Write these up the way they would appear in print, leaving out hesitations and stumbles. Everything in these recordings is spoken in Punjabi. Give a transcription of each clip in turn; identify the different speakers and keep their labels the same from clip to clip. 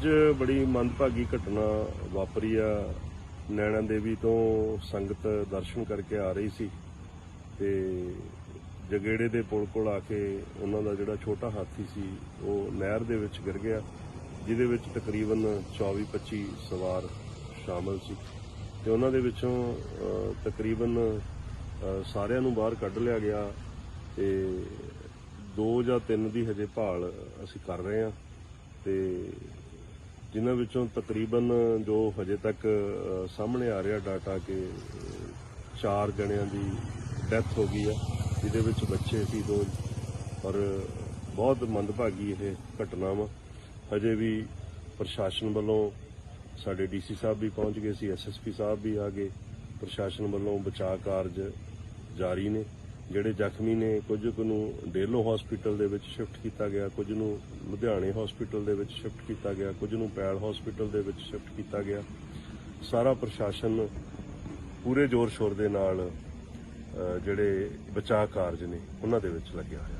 Speaker 1: ਅੱਜ ਬੜੀ ਮੰਦਭਾਗੀ ਘਟਨਾ ਵਾਪਰੀ ਆ। ਨੈਣਾ ਦੇਵੀ ਤੋਂ ਸੰਗਤ ਦਰਸ਼ਨ ਕਰਕੇ ਆ ਰਹੀ ਸੀ ਤੇ ਜਗੇੜੇ ਦੇ ਪੁਲ ਕੋਲ ਆ ਕੇ ਉਹਨਾਂ ਦਾ ਜਿਹੜਾ ਛੋਟਾ ਹਾਥੀ ਸੀ ਉਹ ਨਹਿਰ ਦੇ ਵਿੱਚ ਗਿਰ ਗਿਆ, ਜਿਹਦੇ ਵਿੱਚ ਤਕਰੀਬਨ 24-25 ਸਵਾਰ ਸ਼ਾਮਲ ਸੀ ਤੇ ਉਹਨਾਂ ਦੇ ਵਿੱਚੋਂ ਤਕਰੀਬਨ ਸਾਰਿਆਂ ਨੂੰ ਬਾਹਰ ਕੱਢ ਲਿਆ ਗਿਆ ਤੇ 2 ਜਾਂ 3 ਦੀ ਹਜੇ ਭਾਲ ਅਸੀਂ ਕਰ ਰਹੇ ਹਾਂ ਤੇ ਜਿਨ੍ਹਾਂ ਵਿੱਚੋਂ ਤਕਰੀਬਨ ਜੋ ਹਜੇ ਤੱਕ ਸਾਹਮਣੇ ਆ ਰਿਹਾ ਡਾਟਾ ਕਿ 4 ਜਣਿਆਂ ਦੀ ਡੈਥ ਹੋ ਗਈ ਆ, ਜਿਹਦੇ ਵਿੱਚ ਬੱਚੇ ਸੀ 2 ਔਰ ਬਹੁਤ ਮੰਦਭਾਗੀ ਇਹ ਘਟਨਾ ਵਾ। ਹਜੇ ਵੀ ਪ੍ਰਸ਼ਾਸਨ ਵੱਲੋਂ ਸਾਡੇ ਡੀਸੀ ਸਾਹਿਬ ਵੀ ਪਹੁੰਚ ਗਏ ਸੀ, ਐਸਐਸਪੀ ਸਾਹਿਬ ਵੀ ਆ ਗਏ। ਪ੍ਰਸ਼ਾਸਨ ਵੱਲੋਂ ਬਚਾਅ ਕਾਰਜ ਜਾਰੀ ਨੇ। ਜਿਹੜੇ ਜ਼ਖਮੀ ਨੇ ਕੁਝ ਕੁ ਨੂੰ ਡੇਲੋ ਹਸਪੀਟਲ ਦੇ ਵਿੱਚ ਸ਼ਿਫਟ ਕੀਤਾ ਗਿਆ, ਕੁਝ ਨੂੰ ਲੁਧਿਆਣੇ ਹਸਪੀਟਲ ਦੇ ਵਿੱਚ ਸ਼ਿਫਟ ਕੀਤਾ ਗਿਆ, ਕੁਝ ਨੂੰ ਪੈਲ ਹਸਪੀਟਲ ਦੇ ਵਿੱਚ ਸ਼ਿਫਟ ਕੀਤਾ ਗਿਆ। ਸਾਰਾ ਪ੍ਰਸ਼ਾਸਨ ਪੂਰੇ ਜ਼ੋਰ ਸ਼ੋਰ ਦੇ ਨਾਲ ਜਿਹੜੇ ਬਚਾਅ ਕਾਰਜ ਨੇ ਉਹਨਾਂ ਦੇ ਵਿੱਚ ਲੱਗਿਆ ਹੋਇਆ।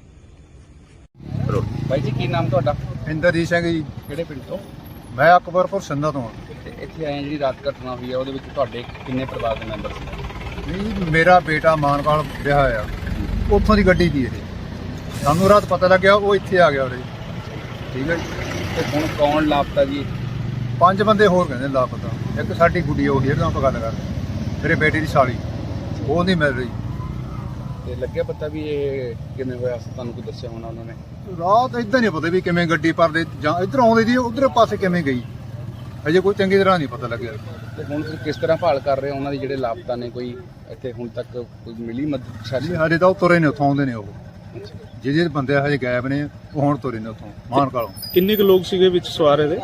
Speaker 2: ਭਾਈ ਜੀ ਕੀ ਨਾਮ ਤੁਹਾਡਾ?
Speaker 3: ਇੰਦਰਜੀਤ ਸਿੰਘ ਜੀ।
Speaker 2: ਕਿਹੜੇ ਪਿੰਡ ਤੋਂ?
Speaker 3: ਮੈਂ ਅਕਬਰਪੁਰ ਸੰਧਾ ਤੋਂ ਹਾਂ।
Speaker 2: ਤੇ ਇੱਥੇ ਆਏ ਜਿਹੜੀ ਰਾਤ ਘਟਨਾ ਹੋਈ ਹੈ ਉਹਦੇ ਵਿੱਚ ਤੁਹਾਡੇ ਕਿੰਨੇ ਪਰਿਵਾਰ ਦੇ ਮੈਂਬਰ ਸੀ?
Speaker 3: ਨਹੀਂ, ਮੇਰਾ ਬੇਟਾ ਮਾਨਵਾਲ ਵਿਆਹ ਆ, ਉੱਥੋਂ ਦੀ ਗੱਡੀ ਦੀ ਇਹ। ਸਾਨੂੰ ਰਾਤ ਪਤਾ ਲੱਗਿਆ, ਉਹ ਇੱਥੇ ਆ ਗਿਆ ਉਰੇ। ਠੀਕ ਹੈ ਜੀ।
Speaker 2: ਤੇ ਹੁਣ ਕੌਣ ਲਾਪਤਾ ਜੀ?
Speaker 3: 5 ਬੰਦੇ ਹੋਰ ਕਹਿੰਦੇ ਲਾਪਤਾ। ਇੱਕ ਸਾਡੀ ਗੁੱਡੀ ਉਹ ਜਿਹਦੇ ਨਾਲ ਆਪਾਂ ਗੱਲ ਕਰਦੇ, ਮੇਰੇ ਬੇਟੇ ਦੀ ਸਾਲੀ, ਉਹ ਨਹੀਂ ਮਿਲ ਰਹੀ।
Speaker 2: ਤੇ ਲੱਗਿਆ ਪਤਾ ਵੀ ਇਹ ਕਿਵੇਂ ਹੋਇਆ? ਤੁਹਾਨੂੰ ਕੋਈ ਦੱਸਿਆ ਹੋਣਾ ਉਹਨਾਂ ਨੇ?
Speaker 3: ਰਾਤ ਇੱਦਾਂ ਨਹੀਂ ਪਤਾ ਵੀ ਕਿਵੇਂ ਗੱਡੀ ਪਰਦੇ ਜਾਂ ਇੱਧਰ ਆਉਂਦੀ ਦੀ ਉਧਰ ਪਾਸੇ ਕਿਵੇਂ ਗਈ, ਅਜੇ ਕੋਈ ਚੰਗੀ ਤਰ੍ਹਾਂ ਨਹੀਂ ਪਤਾ ਲੱਗਿਆ।
Speaker 2: ਤੇ ਹੁਣ ਤੁਸੀਂ ਕਿਸ ਤਰ੍ਹਾਂ ਭਾਲ ਕਰ ਰਹੇ ਹੋ ਉਹਨਾਂ ਦੀ? ਜਿਹੜੇ ਲਾਪਤਾ ਨੇ ਕੋਈ ਇੱਥੇ ਹੁਣ ਤੱਕ ਕੋਈ ਮਿਲੀ ਮਦਦ?
Speaker 3: ਹਜੇ ਤਾਂ ਉਹ ਤੁਰੇ ਨੇ, ਉੱਥੋਂ ਆਉਂਦੇ ਨੇ। ਉਹ ਜਿਹੜੇ ਬੰਦੇ ਹਜੇ ਗਾਇਬ ਨੇ ਉਹ ਹੁਣ ਤੁਰੇ ਨੇ ਉੱਥੋਂ ਮਾਨਕਾਲੋਂ।
Speaker 4: ਕਿੰਨੇ ਕੁ ਲੋਕ ਸੀਗੇ ਵਿੱਚ ਸਵਾਰ ਇਹਦੇ?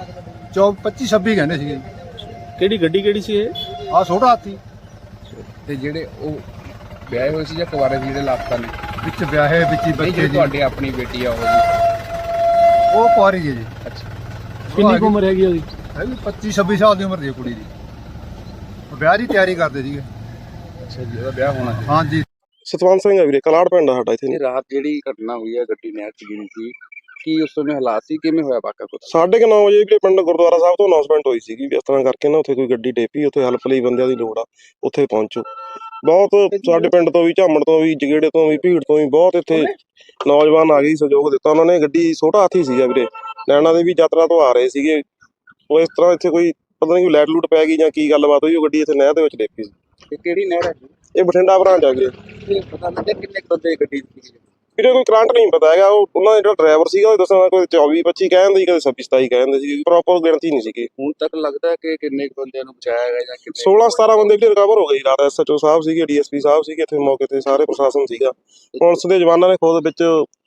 Speaker 3: 25-26 ਕਹਿੰਦੇ ਸੀਗੇ।
Speaker 4: ਕਿਹੜੀ ਗੱਡੀ ਕਿਹੜੀ ਸੀ ਇਹ?
Speaker 3: ਆਹ ਛੋਟਾ ਹਾਥੀ।
Speaker 2: ਤੇ ਜਿਹੜੇ ਉਹ ਵਿਆਹੇ ਹੋਏ ਸੀ ਜਾਂ ਕੁਆਰੇ ਸੀ ਜਿਹੜੇ ਲਾਪਤਾ ਨੇ?
Speaker 3: ਵਿੱਚ ਵਿਆਹੇ ਵਿੱਚ ਹੀ ਬੱਚੇ ਜੀ।
Speaker 2: ਤੁਹਾਡੀ ਆਪਣੀ ਬੇਟੀ ਆ ਉਹ ਜੀ?
Speaker 3: ਉਹ ਕੁਆਰੀ ਜੀ।
Speaker 2: ਅੱਛਾ।
Speaker 4: ਕਿੰਨੀ ਕੁ ਉਮਰ ਹੈਗੀ ਉਹਦੀ?
Speaker 3: ਹੈਗੀ 25-26 ਸਾਲ ਦੀ ਉਮਰ ਦੀ ਕੁੜੀ ਦੀ। ਉਹ ਵਿਆਹ ਦੀ ਤਿਆਰੀ ਕਰਦੇ ਸੀਗੇ।
Speaker 2: ਅੱਛਾ ਜੀ, ਉਹਦਾ ਵਿਆਹ ਹੋਣਾ ਸੀ?
Speaker 3: ਹਾਂਜੀ।
Speaker 5: ਸਤਵੰਤ ਸਿੰਘ ਆ ਵੀਰੇ, ਕਲਾੜ ਪਿੰਡ ਆ ਸਾਡਾ ਇੱਥੇ।
Speaker 2: ਇਹ ਰਾਤ ਜਿਹੜੀ ਘਟਨਾ ਹੋਈ ਹੈ ਗੱਡੀ ਨਹਿਰ 'ਚ ਗਿਰੀ ਸੀ, ਕੀ ਉਸ ਸਮੇਂ ਹਾਲਾਤ ਸੀ? ਕਿਵੇਂ ਹੋਇਆ ਵਾਕਾ ਕੁਝ?
Speaker 5: 9:30 ਵਜੇ ਵੀਰੇ ਪਿੰਡ ਗੁਰਦੁਆਰਾ ਸਾਹਿਬ ਤੋਂ ਅਨਾਉਂਸਮੈਂਟ ਹੋਈ ਸੀਗੀ ਵੀ ਇਸ ਤਰ੍ਹਾਂ ਕਰਕੇ ਨਾ ਉੱਥੇ ਕੋਈ ਗੱਡੀ ਡੇਪੀ, ਉੱਥੇ ਹੈਲਪ ਲਈ ਬੰਦਿਆਂ ਦੀ ਲੋੜ ਆ, ਉੱਥੇ ਪਹੁੰਚੋ। ਬਹੁਤ ਸਾਡੇ ਪਿੰਡ ਤੋਂ ਵੀ, ਝਾਮਣ ਤੋਂ ਵੀ, ਜਗੇੜੇ ਤੋਂ ਵੀ, ਭੀੜ ਤੋਂ ਵੀ ਬਹੁਤ ਇੱਥੇ ਨੌਜਵਾਨ ਆ ਗਏ, ਸਹਿਯੋਗ ਦਿੱਤਾ ਉਹਨਾਂ ਨੇ। ਗੱਡੀ ਛੋਟਾ ਹਾਥੀ ਸੀਗਾ ਵੀਰੇ, ਨੈਣਾ ਦੇਵੀ ਯਾਤਰਾ ਤੋਂ ਆ ਰਹੇ ਸੀਗੇ। ਉਹ ਇਸ ਤਰ੍ਹਾਂ ਇੱਥੇ ਕੋਈ ਪਤਾ ਨਹੀਂ ਕੋਈ ਲਾਈਟ ਲੂਟ ਪੈ ਗਈ ਜਾਂ ਕੀ ਗੱਲਬਾਤ ਹੋਈ, ਉਹ ਗੱਡੀ ਇੱਥੇ ਨਹਿਰ ਦੇ ਵਿੱਚ ਡੇਪੀ ਸੀ।
Speaker 2: ਕਿਹੜੀ ਨਹਿਰ ਹੈ?
Speaker 5: ਇਹ ਬਠਿੰਡਾ ਬ੍ਰਾਂਚ ਆ ਵੀਰੇ।
Speaker 2: ਪਤਾ ਲੱਗਿਆ ਕਿੰਨੇ ਬੰਦੇ ਗੱਡੀ ਸੀ?
Speaker 5: ਵੀਰੇ ਕੋਈ ਕਰੰਟ ਨਹੀਂ ਪਤਾ ਹੈਗਾ। ਉਹਨਾਂ ਦਾ ਜਿਹੜਾ ਡਰਾਈਵਰ ਸੀਗਾ ਉਹ ਦੱਸਣਾ ਕੋਈ 24-25 ਕਹਿੰਦੇ ਸੀ, ਕਦੇ 26-27 ਕਹਿੰਦੇ ਸੀ, ਪ੍ਰੋਪਰ ਗਿਣਤੀ ਨਹੀਂ ਸੀਗੀ।
Speaker 2: ਹੁਣ ਤੱਕ ਲੱਗਦਾ ਕਿ ਕਿੰਨੇ ਬੰਦਿਆਂ ਨੂੰ ਬਚਾਇਆ ਗਿਆ ਜਾਂ ਕਿੰਨੇ?
Speaker 5: 16-17 ਬੰਦੇ ਵੀ ਰਿਕਵਰ ਹੋ ਗਏ ਰਾਤ। ਐਸਐਚਓ ਸਾਹਿਬ ਸੀਗੇ, ਡੀਐਸਪੀ ਸਾਹਿਬ ਸੀਗੇ ਇੱਥੇ ਮੌਕੇ ਤੇ, ਸਾਰੇ ਪ੍ਰਸ਼ਾਸਨ ਸੀਗਾ। ਪੁਲਿਸ ਦੇ ਜਵਾਨਾਂ ਨੇ ਖੁਦ ਵਿੱਚ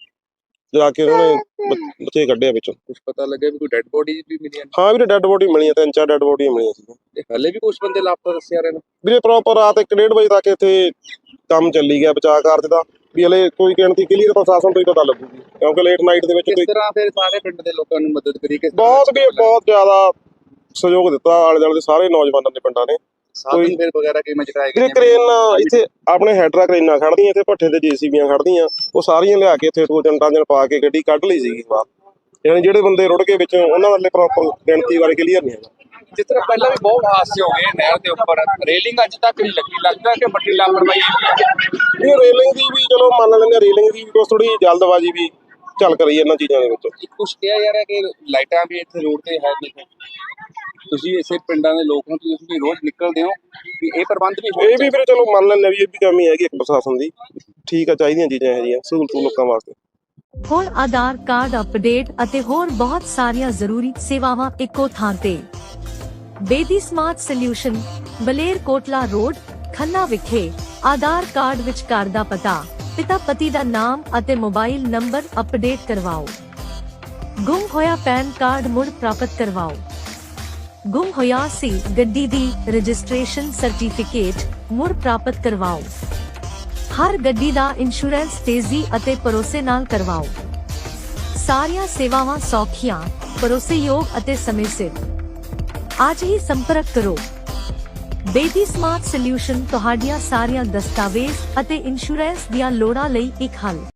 Speaker 5: ਜਾ ਕੇ ਉਹਨਾਂ ਨੇ ਬੱਚੇ ਕੱਢਿਆ ਵਿੱਚੋਂ।
Speaker 2: ਕੁਝ ਪਤਾ ਲੱਗਿਆ ਵੀ ਕੋਈ ਡੈੱਡ ਬੋਡੀ ਵੀ ਮਿਲੀ?
Speaker 5: ਹਾਂ ਵੀਰੇ, ਡੈੱਡ ਬੋਡੀ ਮਿਲੀਆਂ, 3-4 ਡੈੱਡ ਬੋਡੀਆਂ ਮਿਲੀਆਂ ਸੀ।
Speaker 2: ਤੇ ਹਲੇ ਵੀ ਕੁਝ ਬੰਦੇ ਲਾਪਤਾ ਦੱਸਿਆ ਰਹੇ ਨੇ
Speaker 5: ਵੀਰੇ। ਪ੍ਰੋਪਰ ਰਾਤ 1-1:30 ਵਜੇ ਤੱਕ ਇੱਥੇ ਕੰਮ ਚੱਲੀ ਗਿਆ ਬਚਾਅ ਕਾਰਜ ਦਾ, ਵੀ ਹਲੇ ਕੋਈ ਗਿਣਤੀ ਕਲੀਅਰ ਪ੍ਰਸ਼ਾਸਨ ਤੋਂ ਹੀ ਪਤਾ ਲੱਗੂਗੀ, ਕਿਉਂਕਿ ਲੇਟ ਨਾਈਟ ਦੇ ਵਿੱਚ
Speaker 2: ਕਿਸ ਤਰ੍ਹਾਂ ਫਿਰ ਸਾਰੇ ਪਿੰਡ ਦੇ ਲੋਕਾਂ ਨੂੰ ਮਦਦ ਕਰੀ?
Speaker 5: ਬਹੁਤ ਜ਼ਿਆਦਾ ਸਹਿਯੋਗ ਦਿੱਤਾ ਆਲੇ ਦੁਆਲੇ ਦੇ ਸਾਰੇ ਨੌਜਵਾਨਾਂ ਦੇ ਪਿੰਡਾਂ ਨੇ।
Speaker 2: ਸਾਧਨ ਫਿਰ ਵਗੈਰਾ ਕਿਵੇਂ ਚੜਾਏ ਗਏ?
Speaker 5: ਵੀਰੇ ਕਰੇਨ ਇੱਥੇ ਆਪਣੇ ਹੈਡਰਾ ਕਰੇਨਾਂ ਖੜਦੀਆਂ, ਇੱਥੇ ਭੱਠੇ ਤੇ ਜੀਸੀਬੀਆਂ ਖੜਦੀਆਂ, ਉਹ ਸਾਰੀਆਂ ਲਿਆ ਕੇ ਇੱਥੇ 2-3 ਪਾ ਕੇ ਗੱਡੀ ਕੱਢ ਲਈ ਸੀਗੀ ਬਾਹਰ। ਯਾਨੀ ਜਿਹੜੇ ਬੰਦੇ ਰੁੜ ਗਏ ਵਿੱਚੋਂ ਉਹਨਾਂ ਵਾਲੇ ਪ੍ਰੋਪਰ ਗਿਣਤੀ ਬਾਰੇ ਕਲੀਅਰ ਨਹੀਂ ਹੈਗਾ।
Speaker 2: ਜਿਸ ਤਰ੍ਹਾਂ ਪਹਿਲਾਂ ਵੀ ਬਹੁਤ ਹਾਦਸੇ ਹੋ ਗਏ ਨਹਿਰ ਦੇ ਉੱਪਰ, ਰੇਲਿੰਗ ਅੱਜ ਤੱਕ ਨਹੀਂ ਲੱਗੀ, ਲੱਗਦਾ ਕਿ ਵੱਡੀ ਲਾਪਰਵਾਹੀ ਹੈ।
Speaker 5: ਇਹ ਰੇਲਿੰਗ ਦੀ ਵੀ ਚਲੋ ਮੰਨ ਲੈਂਦੇ, ਰੇਲਿੰਗ ਦੀ ਵੀ ਥੋੜੀ ਜਲਦਬਾਜ਼ੀ ਵੀ ਚੱਲ ਕਰੀ ਇਹਨਾਂ ਚੀਜ਼ਾਂ ਦੇ ਵਿੱਚ।
Speaker 2: ਕੁਛ ਕਿਹਾ ਯਾਰ ਕਿ ਲਾਈਟਾਂ ਵੀ ਇੱਥੇ ਰੋਡ ਤੇ ਹੈ ਨਹੀਂ। ਤੁਸੀਂ ਇਸੇ ਪਿੰਡਾਂ ਦੇ ਲੋਕ ਹੋ, ਤੁਸੀਂ ਵੀ ਰੋਜ਼ ਨਿਕਲਦੇ ਹੋ, ਵੀ ਇਹ ਪ੍ਰਬੰਧ ਵੀ
Speaker 5: ਇਹ ਵੀ ਵੀਰੇ ਚਲੋ ਮੰਨ ਲੈਂਦੇ ਵੀ ਇਹ ਵੀ ਕਮੀ ਹੈਗੀ ਇੱਕ ਪ੍ਰਸ਼ਾਸਨ ਦੀ। ਠੀਕ ਆ, ਚਾਹੀਦੀਆਂ ਚੀਜ਼ਾਂ ਇਹੋ ਜਿਹੀਆਂ ਸਹੂਲਤ ਲੋਕਾਂ ਵਾਸਤੇ।
Speaker 6: ਹੋਰ ਆਧਾਰ ਕਾਰਡ ਅਪਡੇਟ ਅਤੇ ਹੋਰ ਬਹੁਤ ਸਾਰੀਆਂ ਜ਼ਰੂਰੀ ਸੇਵਾਵਾਂ ਇੱਕੋ ਥਾਂ ਤੇ। Bedi smart solution, Baler Kotla road, Khanna ਵਿਖੇ। ਆਧਾਰ ਕਾਰਡ ਵਿੱਚ ਘਰ ਦਾ ਪਤਾ, ਪਿਤਾ ਪਤੀ ਦਾ ਨਾਮ ਅਤੇ ਮੋਬਾਈਲ ਨੰਬਰ ਅਪਡੇਟ ਕਰਵਾਓ। ਗੁੰਮ ਹੋਇਆ ਪੈਨ ਕਾਰਡ ਮੁੜ ਪ੍ਰਾਪਤ ਕਰਵਾਓ। ਗੁੰਮ ਹੋਇਆ ਸੀ ਗੱਡੀ ਦੀ ਰਜਿਸਟ੍ਰੇਸ਼ਨ ਸਰਟੀਫਿਕੇਟ ਮੁੜ ਪ੍ਰਾਪਤ ਕਰਵਾਓ। ਹਰ ਗੱਡੀ ਦਾ ਇੰਸ਼ੋਰੈਂਸ ਤੇਜ਼ੀ ਅਤੇ ਭਰੋਸੇ ਨਾਲ ਕਰਵਾਓ। ਸਾਰੀਆਂ ਸੇਵਾਵਾਂ ਸੌਖੀਆਂ, ਭਰੋਸੇਯੋਗ ਅਤੇ ਸਮੇਂ ਸਿਰ। ਅੱਜ ਹੀ ਸੰਪਰਕ ਕਰੋ। ਬੇਦੀ ਸਮਾਰਟ ਸੋਲਿਊਸ਼ਨ ਤੁਹਾਡੀਆਂ ਸਾਰੀਆਂ ਦਸਤਾਵੇਜ਼ ਅਤੇ ਇੰਸ਼ੋਰੈਂਸ ਦੀਆਂ ਲੋੜਾਂ ਲਈ ਇੱਕ ਹੱਲ।